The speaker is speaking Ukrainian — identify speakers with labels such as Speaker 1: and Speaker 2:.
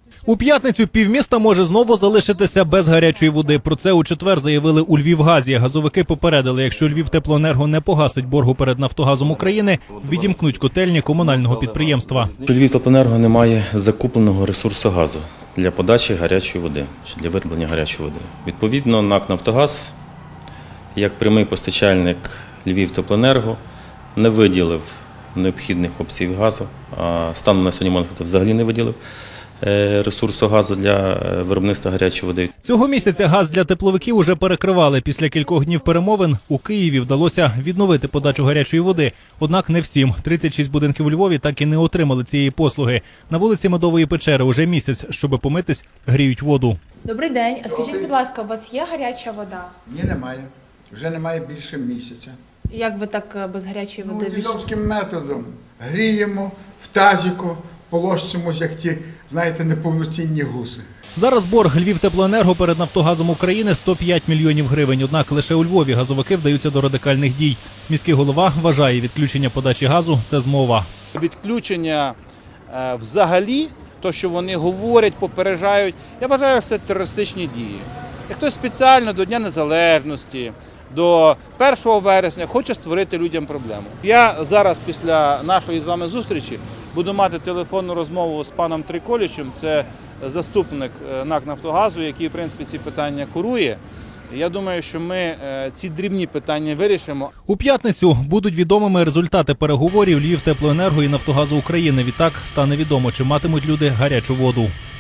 Speaker 1: У п'ятницю півміста може знову залишитися без гарячої води. Про це у четвер заявили у Львівгазі. Газовики попередили, якщо Львівтеплоенерго не погасить боргу перед Нафтогазом України, відімкнуть котельні комунального підприємства.
Speaker 2: Львівтеплоенерго не має закупленого ресурсу газу для подачі гарячої води, чи для вироблення гарячої води. Відповідно, НАК «Нафтогаз», як прямий постачальник Львівтеплоенерго, не виділив необхідних обсягів газу, а станом на сьогодні, можна сказати, взагалі не виділив ресурсу газу для виробництва гарячої води.
Speaker 1: Цього місяця газ для тепловиків уже перекривали. Після кількох днів перемовин у Києві вдалося відновити подачу гарячої води. Однак не всім. 36 будинків у Львові так і не отримали цієї послуги. На вулиці Медової печери уже місяць, щоб помитись, гріють воду.
Speaker 3: Добрий день. А скажіть, будь ласка, у вас є гаряча вода?
Speaker 4: Ні, немає. Вже немає більше місяця.
Speaker 3: Як ви так без гарячої води?
Speaker 4: Дідовським методом. Гріємо в тазіку, полощимось, як ті, знаєте, неповноцінні гуси.
Speaker 1: Зараз борг Львівтеплоенерго перед Нафтогазом України 105 мільйонів гривень. Однак лише у Львові газовики вдаються до радикальних дій. Міський голова вважає, відключення подачі газу – це змова.
Speaker 5: Відключення взагалі, то, що вони говорять, попереджають, я вважаю, що це терористичні дії. І хтось спеціально до Дня Незалежності, до 1 вересня хоче створити людям проблему. Я зараз після нашої з вами зустрічі буду мати телефонну розмову з паном Триколічем, це заступник НАК «Нафтогазу», який, в принципі, ці питання курує. Я думаю, що ми ці дрібні питання вирішимо.
Speaker 1: У п'ятницю будуть відомими результати переговорів Львівтеплоенерго і Нафтогазу України. Відтак стане відомо, чи матимуть люди гарячу воду.